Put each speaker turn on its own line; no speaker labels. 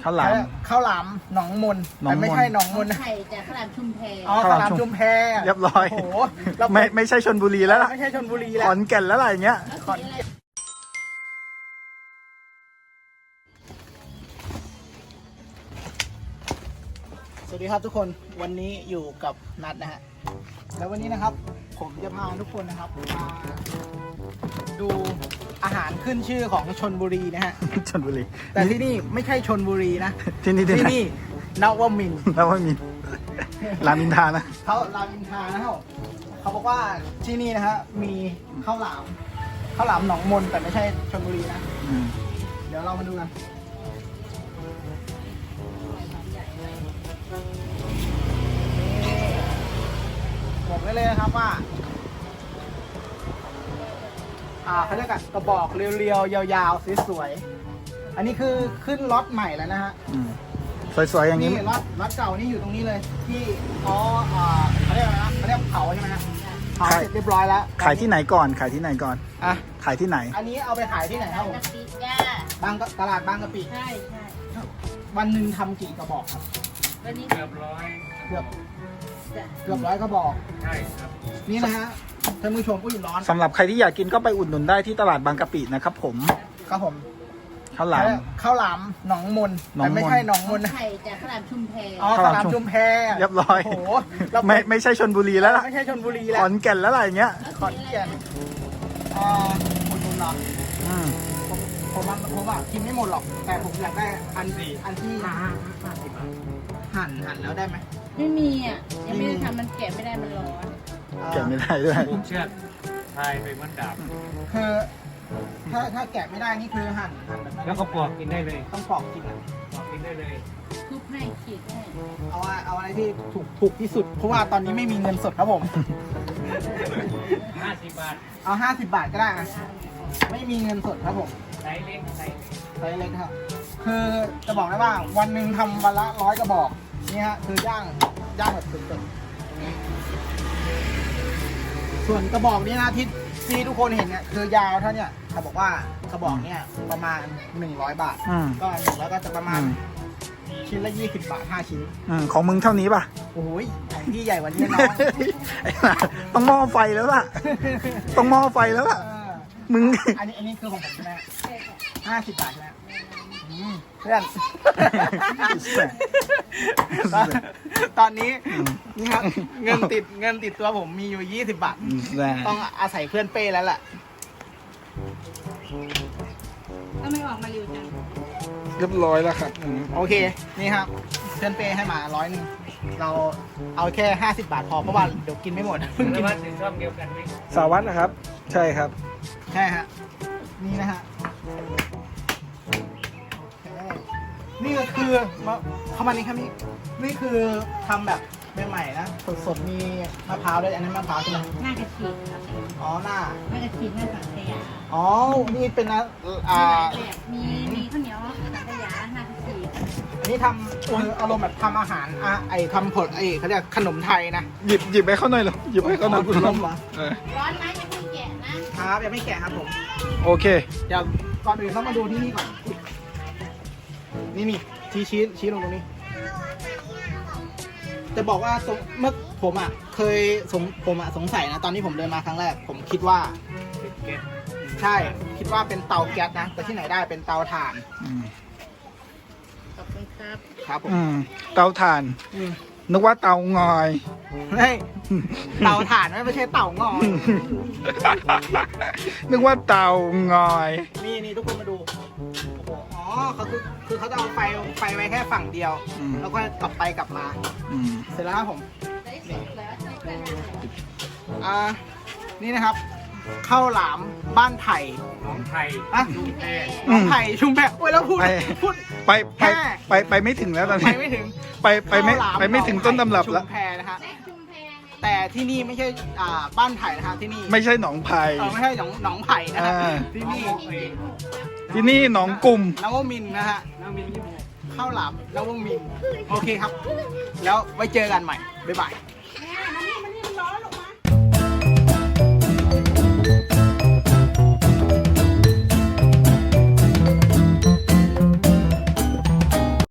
ข้าวหลาม
หนองมนแต่ไม่ใช่หนองมนนะ
ไข่จากข้าวหลามชุมแพ
อ๋อข้าวหลามชุมแพ
เรียบร้อย
โอ้โห
ไม่ใช่ชลบุรีแล้วล่ะ
ไม่ใช่ชลบุรี
ข
แล้ว
อนแก่นแล้วอะไรอย่างเงี้ย
ขอนแก่นสวัสดีครับทุกคนวันนี้อยู่กับนัทนะฮะแล้ววันนี้นะครับผมจะพาทุกคนนะครับมาดูอาหารขึ้นชื่อของชลบุรีนะฮะ
ชลบุรี
แต่ที่นี่ไม่ใช่ชลบุรีนะ
ที่นี่
ที่นี่นวมินทร์
แล้วไม่มีรามอินทรานะ
เขารามอินทรานะครับเขาบอกว่าที่นี่นะฮะมีข้าวหลามหนองมนแต่ไม่ใช่ชลบุรีนะ
อืม
เดี๋ยวเรามาดูกันบอกไว้เลยนะครับว่าเขาเรียกกระบอกเรียวๆยาวๆสวยๆอันนี้คือขึ้นล็อตใหม่แล้วนะฮะ
อืมสวยๆอย่างนี้
นี่ล็อตเก่านี่อยู่ตรงนี้เลยที่เขาเรียกอะไรนะเขาเรียกเผาใช่ไหมฮะเผาเสร็จเรียบร้อยแล้ว
ขายที่ไหนก่อนขายที่ไหนก่อน
อ่ะ
ขายที่ไหน
อันนี้เอาไปขายที่ไหนครับผม
กะปิจ้า
ตลาดบางกะปิ
ใช่ใช่
วันหนึ่งทำกี่กระบอกครับ
วันนี้
เกือบร้อย
เกือบ
จ้ะ
100กระบอก
ใช่ครับ
นี่นะฮะท่านผู้ชมอุ้ยร้อน
สำหรับใครที่อยากกินก็ไปอุดหนุนได้ที่ตลาดบางกะปินะครับผม
ครับผม
ข้าวหลาม
ข้าวหลามหนองมน
หนองมน
แต่ไม่ใช่หนองมนนะ
ไข่จากข้าวหลามชุมแพ
อ๋อข้าวหลามชุมแพ
เรียบร้อย
โอ้โหเรา
ไม่ใช่ชลบุรีแล้วล่ะ
ไม่ใช่ชลบุรี
ข
แล้ว
อนแก่นแล้วอะไรอย่างเงี้ย
ขอนแก่นอุดหนุนเหรอ
อืม
ผมว่ากินไม่หมดหรอก แต่ผมอยากได้อันที่หั่นแล้วได้ไหม
ไม่มีอ่ะยังไม่ได้ทำมันแกะไม่ได้มันร้อน
แกะไม่ได้ด้วย
ผูกเชือกพายไปมันดาบ
คือถ้าแกะไม่ได้นี่คือหั่นแบบนั้น
แล้วก็ปอกกินได้เลย
ต้องปอกกินอะ
ปอกกินได้เลย
ทุบให้ขีดให้
เอาอะไรที่ถูกที่สุด เพราะว่าตอนนี้ไม่มีเงินสดครับผม
50 บาท
เอา50 บาทก็ได้อะไม่มีเงินสดครับผม
ไซส์เล็กไซส์
ไซส์เล็กครับ คือจะบอกได้ว่าวันหนึ่งทำวันละ100กระบอกนี่ฮะคือย่างแบบสุดๆส่วนกระบอกนี้นะที่ทุกคนเห็นเนี่ยคือยาวเท่าเนี่ยเขาบอกว่ากระบอกเนี่ยประมาณ100 บาท
อืม
ก็100ก็จะประมาณชิ้นละ20 บาท5ชิ้น
ของมึงเท่านี้ป่ะ
โอ้ยของพี่ใหญ่กว่านี้น้อง
ไอ้ห่าต้องหม้อไฟแล้วล่ะ ต้องหม้อไฟแล้วล่ะ มึง
อันนี้คือของผมใช่ไหม
ใช่ค่ะ
50 บาทใช่ไหมเพื่อน ตอนนี้นี่ครับเงินติดตัวผมมีอยู่20 บาท ต้องอาศัยเพื่อนเป้แล้วแหละ
ก็ไม่ออกมาเร็วจัง
เรียบร้อยแล้วครับ
โอเค นี่ครับเพื่อนเป้ให้มา100เราเอาแค่50 บาทพอเพราะว่าเดี๋ยวกินไม่หมดเพิ่ง
แล้
กิ
วน ว่าถึงช่องเดียวกันไหม
สาวัตรนะครับ ใช่ครับ
ใช่ฮะนี่นะฮะนี่ก็คือเข้ามานี่ครับนี่คือทำแบบใหม่ๆนะสดๆมีมะพร้าวด้วยอันนั้นมะพร้าวใช่ไหม
หน้ากระชีครับ
อ๋อหน้า
หน้ากระชีหน้าสังขยา
อ๋อนี่เป็นนะ
มีหลายแบบมีข้าวเหนียวสังขยาหน้ากระชี
อันนี้ทำคืออารมณ์แบบทำอาหารทำผลเขาเรียกขนมไทยนะ
หยิบไปเข้าหน่อยเหรอหยิบไปเข้าหน่อย
ขนมเหรอ
ร้อนไหมจะเพิ่งแกะนะครับ
ยังไม่แกะครับผม
โอเค
เดี๋ยวก่อนอื่นต้องมาดูที่นี่ก่อนนี่ชี้ลงตรงนี้จะบอกว่าเมื่อผมสงสัยนะตอนที่ผมเดินมาครั้งแรกผมคิดว่า
ติดเก็ต
ใช่คิดว่าเป็นเตาแก๊สนะแต่ที่ไหนได้เป็นเตาถ่าน
ขอบคุณครับ
ครับผม
เตาถ่าน
อืม
นึกว่าเตางอย
เฮ้ยเตาถ่านไม่ใช่เตางอย
นึกว่าเตางอย
นี่ทุกคนมาดูโอ้โหอ๋อเขาคือเขาจะเอาไฟไว้แค่ฝั่งเดียว
อืม
แล้วก็กลับไปกลับมา
อืม
เสร็จแล้วครับผม
ได้สุกแล้วใช่ไหม
นี่นะครับข้าวหลามบ้านไผ่
น้องไทย
อ่ะ
ดูแพ
น้องไผ่ชุมแพโอ้ยแล้วพูด
ไปไม่ถึงแล้วตอน
ไป
นี้
ไม่ถึง
ไปไม่ถึงต้นตำรับ
ชุ
แล้ว
มแพนะฮะ
ได้ชุมแพไง
แต่ที่นี่ไม่ใช่บ้านไผ่นะฮะที่นี่
ไม่ใช่หนองไผ่
ไม่ใช่หนองไผ่นะฮะ
อ่า
ที่นี่
ที่นี่หนองกลุ่ม
นวมินทร์นะฮะ
น้องมินยี่สิบหก
ข้าวหลามนวมินทร์โอเคครับ แล้วไว้เจอกันใหม่บ๊ายบาย